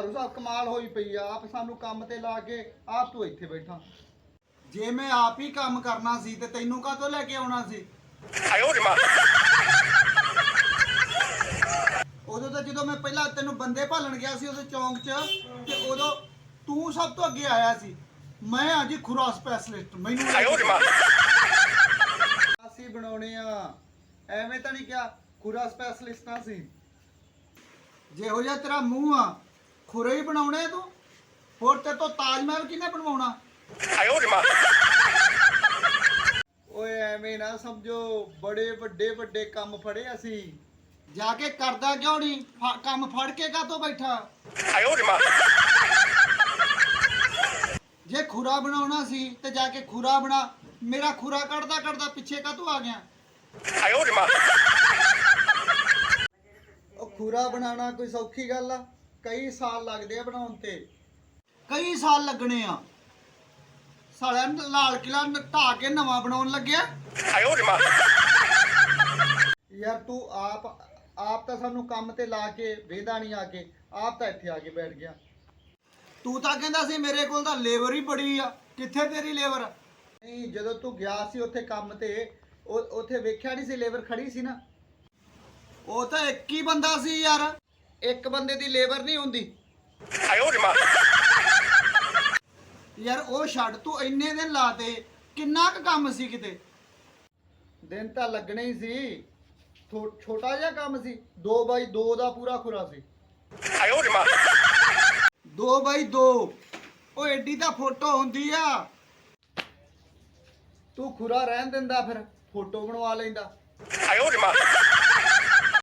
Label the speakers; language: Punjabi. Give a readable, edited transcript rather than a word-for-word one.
Speaker 1: ਭਾਰੂ ਸਾਹਿਬ ਕਮਾਲ ਹੋਈ ਪਈ ਆ। ਆਪ ਸਾਨੂੰ ਕੰਮ ਤੇ ਲਾ ਕੇ ਆਪ ਤੂੰ ਇੱਥੇ ਬੈਠਾ। ਜੇ ਮੈਂ ਆਪ ਹੀ ਕੰਮ ਕਰਨਾ ਸੀ ਤੇ ਤੈਨੂੰ ਕਾਹਤੋਂ ਲੈ ਕੇ ਆਉਣਾ ਸੀ? ਉਦੋਂ ਤਾਂ ਜਦੋਂ ਮੈਂ ਪਹਿਲਾਂ ਤੈਨੂੰ ਬੰਦੇ ਭਾਲਣ ਗਿਆ ਸੀ ਉਦੋਂ ਚੌਂਕ 'ਚ, ਤੇ ਉਦੋਂ ਤੂੰ ਸਭ ਤੋਂ ਅੱਗੇ ਆਇਆ ਸੀ। ਮੈਂ ਆ ਜੀ ਖੁਰਾ ਸਪੈਸ਼ਲਿਸਟ, ਮੈਨੂੰ ਅਸੀਂ ਬਣਾਉਣੇ ਆ, ਐਵੇਂ ਤਾਂ ਨਹੀਂ ਕਿਹਾ ਖੁਰਾ ਸਪੈਸ਼ਲਿਸਟਾਂ ਸੀ। ਜਿਹੋ ਜਿਹਾ ਤੇਰਾ ਮੂੰਹ ਆ ਖੁਰੇ ਹੀ ਬਣਾਉਣੇ ਤੂੰ, ਹੋਰ ਤੇ ਤੋਂ ਤਾਜ ਮਹਿਲ ਕਿਹਨੇ ਬਣਵਾਉਣਾ? ਓਏ ਐਵੇਂ ਨਾ ਸਮਝੋ, ਬੜੇ ਵੱਡੇ ਵੱਡੇ ਕੰਮ ਫੜੇ ਅਸੀਂ। ਜਾ ਕੇ ਕਰਦਾ ਕਿਉਂ ਨਹੀਂ ਕੰਮ? ਫੜ ਕੇ ਕਾਹਤੋਂ ਬੈਠਾ? ਜੇ ਖੁਰਾ ਬਣਾਉਣਾ ਸੀ ਤੇ ਜਾ ਕੇ ਖੁਰਾ ਬਣਾ। ਮੇਰਾ ਖੁਰਾ ਕੱਢਦਾ ਕੱਢਦਾ ਪਿੱਛੇ ਕਾਹਤੋਂ ਆ ਗਿਆ? ਉਹ ਖੁਰਾ ਬਣਾਉਣਾ ਕੋਈ ਸੌਖੀ ਗੱਲ ਆ? ਕਈ ਸਾਲ ਲੱਗਦੇ ਆ ਬਣਾਉਣ ਤੇ, ਕਈ ਸਾਲ ਲੱਗਣੇ ਆ। ਸਾਲਿਆਂ ਨੂੰ ਲਾਲ ਕਿਲਾ ਢਾਹ ਕੇ ਨਵਾਂ ਬਣਾਉਣ ਲੱਗਿਆ। ਯਾਰ ਤੂੰ ਆਪ ਤਾਂ ਸਾਨੂੰ ਕੰਮ ਤੇ ਲਾ ਕੇ ਵੇਦਾ ਨਹੀਂ ਆ ਕੇ, ਆਪ ਤਾਂ ਇੱਥੇ ਆ ਕੇ ਬੈਠ ਗਿਆ। ਤੂੰ ਤਾਂ ਕਹਿੰਦਾ ਸੀ ਮੇਰੇ ਕੋਲ ਤਾਂ ਲੇਬਰ ਹੀ ਬੜੀ ਆ। ਕਿੱਥੇ ਤੇਰੀ ਲੇਬਰ? ਨਹੀਂ, ਜਦੋਂ ਤੂੰ ਗਿਆ ਸੀ ਉੱਥੇ ਕੰਮ ਤੇ, ਉੱਥੇ ਵੇਖਿਆ ਨਹੀਂ ਸੀ ਲੇਬਰ ਖੜੀ ਸੀ ਨਾ? ਉਹ ਤਾਂ ਇੱਕ ਹੀ ਬੰਦਾ ਸੀ ਯਾਰ, ਇੱਕ ਬੰਦੇ ਦੀ ਲੇਬਰ ਨਹੀਂ ਹੁੰਦੀ। ਯਾਰ ਉਹ ਛੱਡ, ਤੂੰ ਇੰਨੇ ਦਿਨ ਲਾਤੇ, ਕਿੰਨਾ ਕੁ ਕੰਮ ਸੀ? ਕਿਤੇ ਦਿਨ ਤਾਂ ਲੱਗਣੇ ਹੀ ਸੀ। ਛੋਟਾ ਜਿਹਾ ਕੰਮ ਸੀ, 2x2 ਦਾ ਪੂਰਾ ਖੁਰਾ ਸੀ। 2x2 ਉਹ ਐਡੀ ਤਾਂ ਫੋਟੋ ਹੁੰਦੀ ਆ। ਤੂੰ ਖੁਰਾ ਰਹਿਣ ਦਿੰਦਾ, ਫਿਰ ਫੋਟੋ ਬਣਵਾ ਲੈਂਦਾ।